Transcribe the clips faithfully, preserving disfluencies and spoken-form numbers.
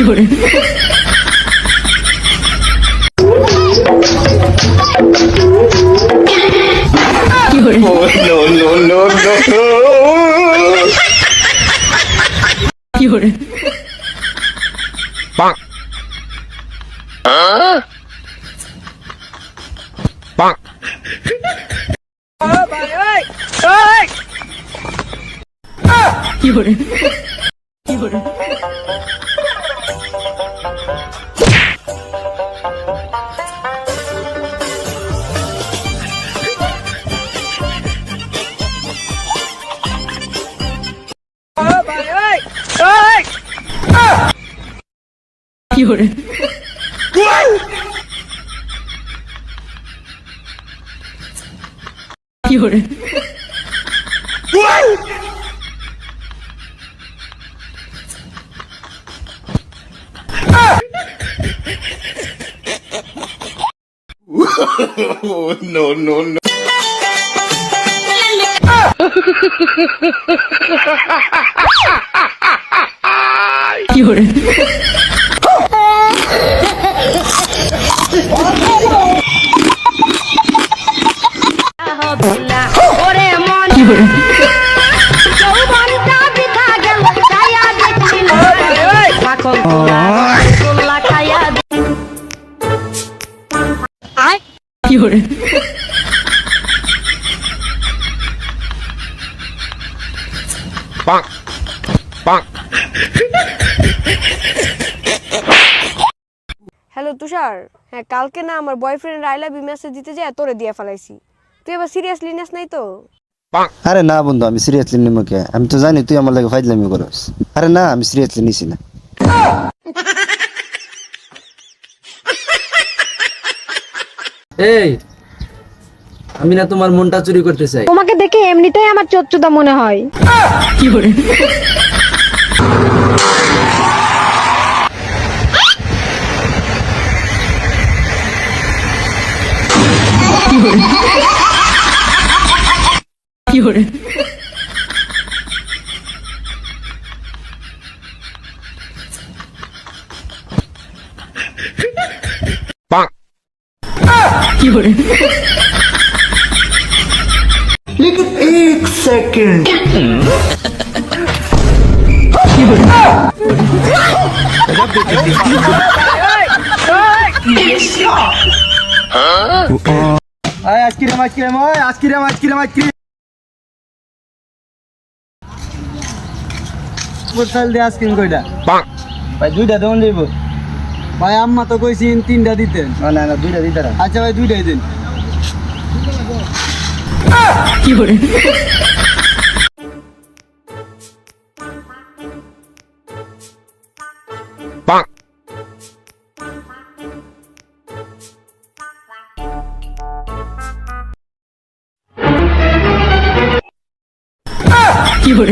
No, no, no. Bonk. Bonk. Hello Tushar, হ্যাঁ কালকে না আমার boyfriend I love you message দিতে যায় তোরে দিয়ে ফেলাইছি। তুই এবার সিরিয়াসলি নিস নাই তো? আরে না বন্ধু, আমি সিরিয়াসলি নিব কে? আমি তো জানি তুই আমার লাগে ফাইজলামি করস। আরে না, আমি সিরিয়াসলি নিছি না। এই আমি না তোমার মনটা চুরি করতে চাই। তোমাকে দেখে এমনিতেই আমার চোদচুদা মনে হয়। কি করে? কি করে? কি করে? लेकिन एक सेकंड আয় আজকিরাম আজকিরাম ওই আজকিরাম আজকিরাম আজকিরাম কোথাল দে আইসক্রিম কয়টা? ভাই দুইটা দেন দেব। ভাই আম্মা তো কইছিন তিনটা দিতেন। না না না দুইটা দিতে। আচ্ছা ভাই দুইটাই দেন। কি করে? কি করে?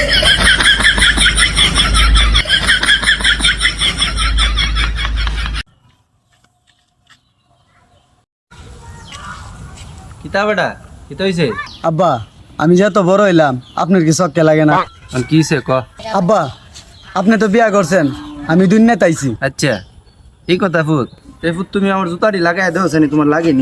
কিতা বেটা কিতা হইছে? আব্বা আমি যত বড় হইলাম আপনার কি শখ লাগে না? আর কি হইছে ক? আব্বা আপনি তো বিয়া করছেন, আমি দুনিয়াতে আইছি। আচ্ছা এই কথা ফুট। এই ফুট তুমি আমার জুতাটি লাগাই দেওছ নি? তোমার লাগেনি?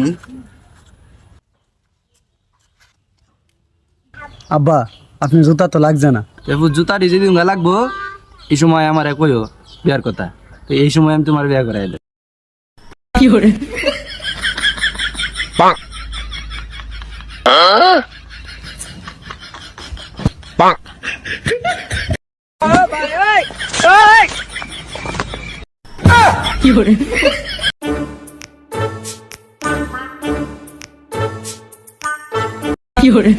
আব্বা আপনি জুতা তো লাগছে না। এই ফুট জুতাটি যেদিন লাগবো এই সময় আমার কইও বিয়ার কথা, তো এই সময় আমি তোমার বিয়া করাই দেব। কি করে? কি করে? কি করে?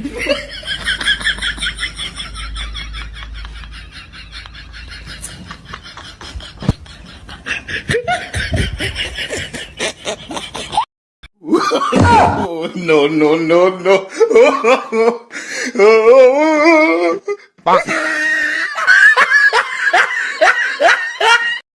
no, no, no, no.